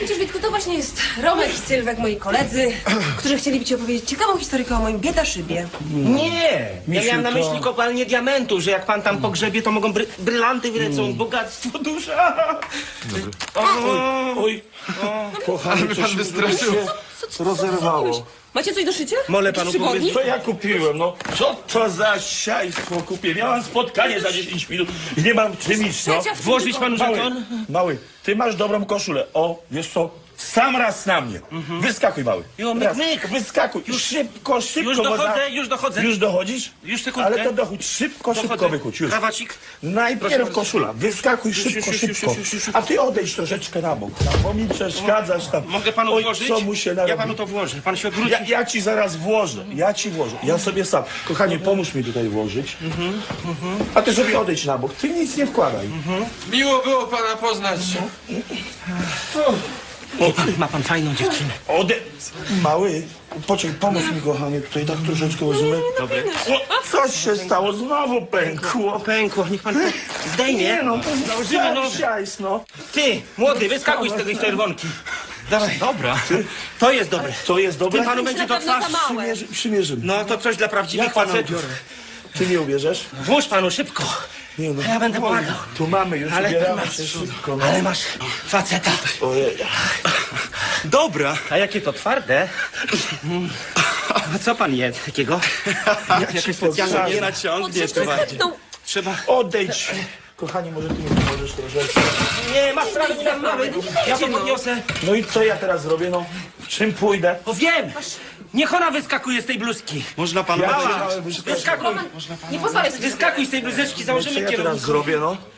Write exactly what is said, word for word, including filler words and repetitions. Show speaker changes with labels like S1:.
S1: Widzisz, Witku, to właśnie jest Romek i Sylwek, moi koledzy, którzy chcieliby ci opowiedzieć ciekawą historykę o moim biedaszybie.
S2: Nie! Ja
S3: Misiu,
S2: miałem na
S3: to-
S2: myśli kopalnię diamentów, że jak pan tam pogrzebie, to mogą bry brylanty wylecą, bogactwo duże.
S3: Oj, kochany,
S4: pan
S3: coś mi
S4: wystraszył.
S3: się rozerwało.
S1: Macie coś do szycia?
S2: Mole
S1: Jakieś
S2: panu
S1: przygodni?
S2: powiedzieć.
S3: Co ja kupiłem, no? Co to za siajstwo kupię? Miałam spotkanie za dziesięć minut i nie mam czym iść, no.
S1: Trzecia w tym
S2: Włożyć panu
S3: Mały,
S2: żeton?
S3: mały, ty masz dobrą koszulę. O, wiesz co? Sam raz na mnie. Wyskakuj, mały.
S2: Jo, myk,
S3: Raz.
S2: myk.
S3: Wyskakuj. Już szybko, szybko.
S2: Już
S3: bo
S2: dochodzę,
S3: za-
S2: już dochodzę.
S3: Już dochodzisz?
S2: Już sekundkę.
S3: Ale to dochódź. Szybko, szybko
S2: Dochodzę.
S3: wychódź. Już.
S2: Krawacik.
S3: Najpierw koszula. Wyskakuj
S2: Już,
S3: szybko,
S2: już, już,
S3: szybko.
S2: już, już, już.
S3: A ty odejdź troszeczkę na bok, tam, bo mi przeszkadzasz tam.
S2: Mogę panu
S3: Oj,
S2: włożyć?
S3: co mu się
S2: Ja
S3: narobi.
S2: panu to włożę. Pan się odwróci.
S3: Ja, ja ci zaraz włożę, ja ci włożę. Ja sobie sam. Kochanie, pomóż mi tutaj włożyć. A ty sobie odejdź na bok. Ty nic nie wkładaj.
S4: Miło było pana poznać.
S2: Ma pan fajną dziewczynę.
S3: Ode... Mały, poczekaj, pomóż mi, kochanie, tutaj tak troszeczkę weźmy.
S2: Dobry.
S3: O, coś się stało, znowu pękło.
S2: Pękło, niech pan to zdejmie.
S3: Nie no,
S2: Założymy nowe.
S3: siajs, no.
S2: Ty, młody, wyskakuj z tej czerwonki. Dawaj. Dobra. To jest dobre.
S3: To jest dobre?
S2: Ty panu
S1: To
S2: będzie
S1: na
S2: to
S1: pewno
S2: twarz.
S1: za małe.
S3: Przymierzy, przymierzymy.
S2: No to coś dla prawdziwych
S3: Ja panu
S2: facetów.
S3: biorę. Ty nie uwierzysz?
S2: Włóż panu szybko.
S3: Nie no.
S2: Ja będę pomagał.
S3: Tu mamy, już
S2: Ale
S3: ubieramy
S2: masz,
S3: się szybko, no.
S2: ale masz faceta.
S3: Ojej.
S2: Dobra. A jakie to twarde? A co pan je takiego? Jakieś specjalne
S3: powiem.
S2: nie naciągnie.
S1: Trzeba zepnął.
S2: Trzeba...
S3: Odejdź. Kochanie, może ty mi pomożesz troszeczkę?
S2: Nie, masz prawo, nie dam mały. Ja to podniosę.
S3: No i co ja teraz zrobię, no? Czym pójdę?
S2: O wiem! Niech ona wyskakuje z tej bluzki.
S4: Można panu
S3: Ja
S2: Mała,
S3: cię małe wyskakuję.
S2: wyskakuj.
S1: Nie pozwalaj sobie.
S2: Wyskakuj z tej bluzeczki,
S3: Co
S2: założymy
S3: ja teraz
S2: kierownicę.
S3: zrobię, no?